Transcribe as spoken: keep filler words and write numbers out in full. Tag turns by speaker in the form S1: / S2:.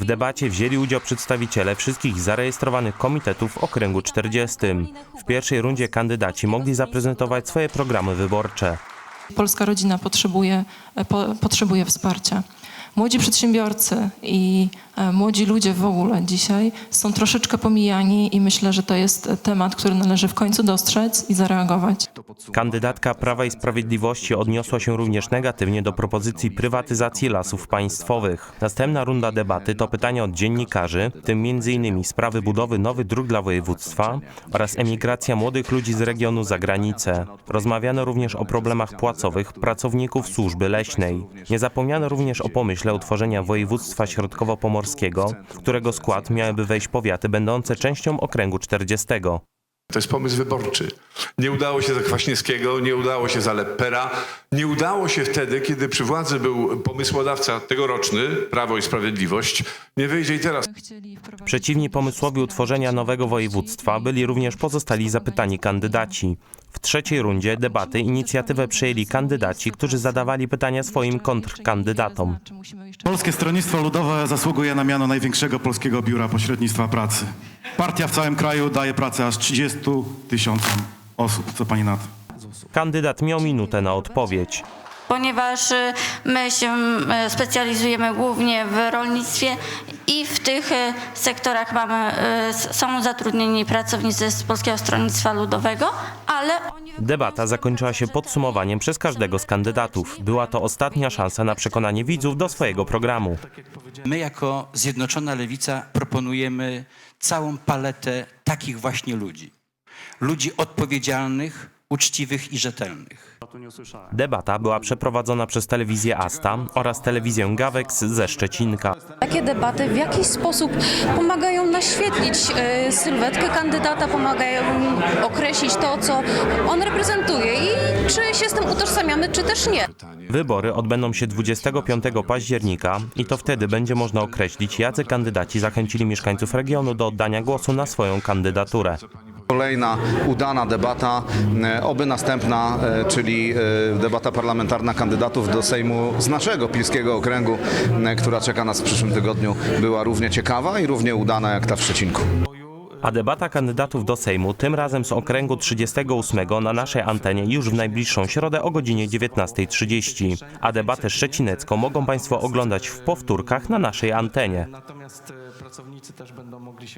S1: W debacie wzięli udział przedstawiciele wszystkich zarejestrowanych komitetów w okręgu czterdziestym. W pierwszej rundzie kandydaci mogli zaprezentować swoje programy wyborcze.
S2: Polska rodzina potrzebuje, po, potrzebuje wsparcia. Młodzi przedsiębiorcy i e, młodzi ludzie w ogóle dzisiaj są troszeczkę pomijani i myślę, że to jest temat, który należy w końcu dostrzec i zareagować.
S1: Kandydatka Prawa i Sprawiedliwości odniosła się również negatywnie do propozycji prywatyzacji lasów państwowych. Następna runda debaty to pytania od dziennikarzy, w tym między innymi sprawy budowy nowych dróg dla województwa oraz emigracja młodych ludzi z regionu za granicę. Rozmawiano również o problemach płacowych pracowników służby leśnej. Nie zapomniano również o pomyśle utworzenia województwa środkowo-pomorskiego, w którego skład miałyby wejść powiaty będące częścią okręgu czterdziestego.
S3: To jest pomysł wyborczy. Nie udało się za Kwaśniewskiego, nie udało się za Leppera, nie udało się wtedy, kiedy przy władzy był pomysłodawca tegoroczny, Prawo i Sprawiedliwość. Nie wyjdzie i teraz.
S1: Przeciwni pomysłowi utworzenia nowego województwa byli również pozostali zapytani kandydaci. W trzeciej rundzie debaty inicjatywę przejęli kandydaci, którzy zadawali pytania swoim kontrkandydatom.
S4: Polskie Stronnictwo Ludowe zasługuje na miano największego polskiego biura pośrednictwa pracy. Partia w całym kraju daje pracę aż trzydziestu tysiącom osób. Co pani na to?
S1: Kandydat miał minutę na odpowiedź.
S5: Ponieważ my się specjalizujemy głównie w rolnictwie i w tych sektorach mamy, są zatrudnieni pracownicy z Polskiego Stronnictwa Ludowego, ale oni...
S1: Debata zakończyła się podsumowaniem przez każdego z kandydatów. Była to ostatnia szansa na przekonanie widzów do swojego programu.
S6: My jako Zjednoczona Lewica proponujemy całą paletę takich właśnie ludzi. Ludzi odpowiedzialnych, uczciwych i rzetelnych.
S1: Debata była przeprowadzona przez telewizję Asta oraz telewizję Gawex ze Szczecinka.
S7: Takie debaty w jakiś sposób pomagają naświetlić y, sylwetkę kandydata, pomagają określić to, co on reprezentuje i czy się z tym utożsamiamy, czy też nie.
S1: Wybory odbędą się dwudziestego piątego października i to wtedy będzie można określić, jacy kandydaci zachęcili mieszkańców regionu do oddania głosu na swoją kandydaturę.
S8: Kolejna udana debata, oby następna, czyli debata parlamentarna kandydatów do Sejmu z naszego pilskiego okręgu, która czeka nas w przyszłym tygodniu, była równie ciekawa i równie udana jak ta w Szczecinku.
S1: A debata kandydatów do Sejmu, tym razem z okręgu trzydziestego ósmego na naszej antenie już w najbliższą środę o godzinie dziewiętnastej trzydzieści. A debatę szczecinecką mogą Państwo oglądać w powtórkach na naszej antenie.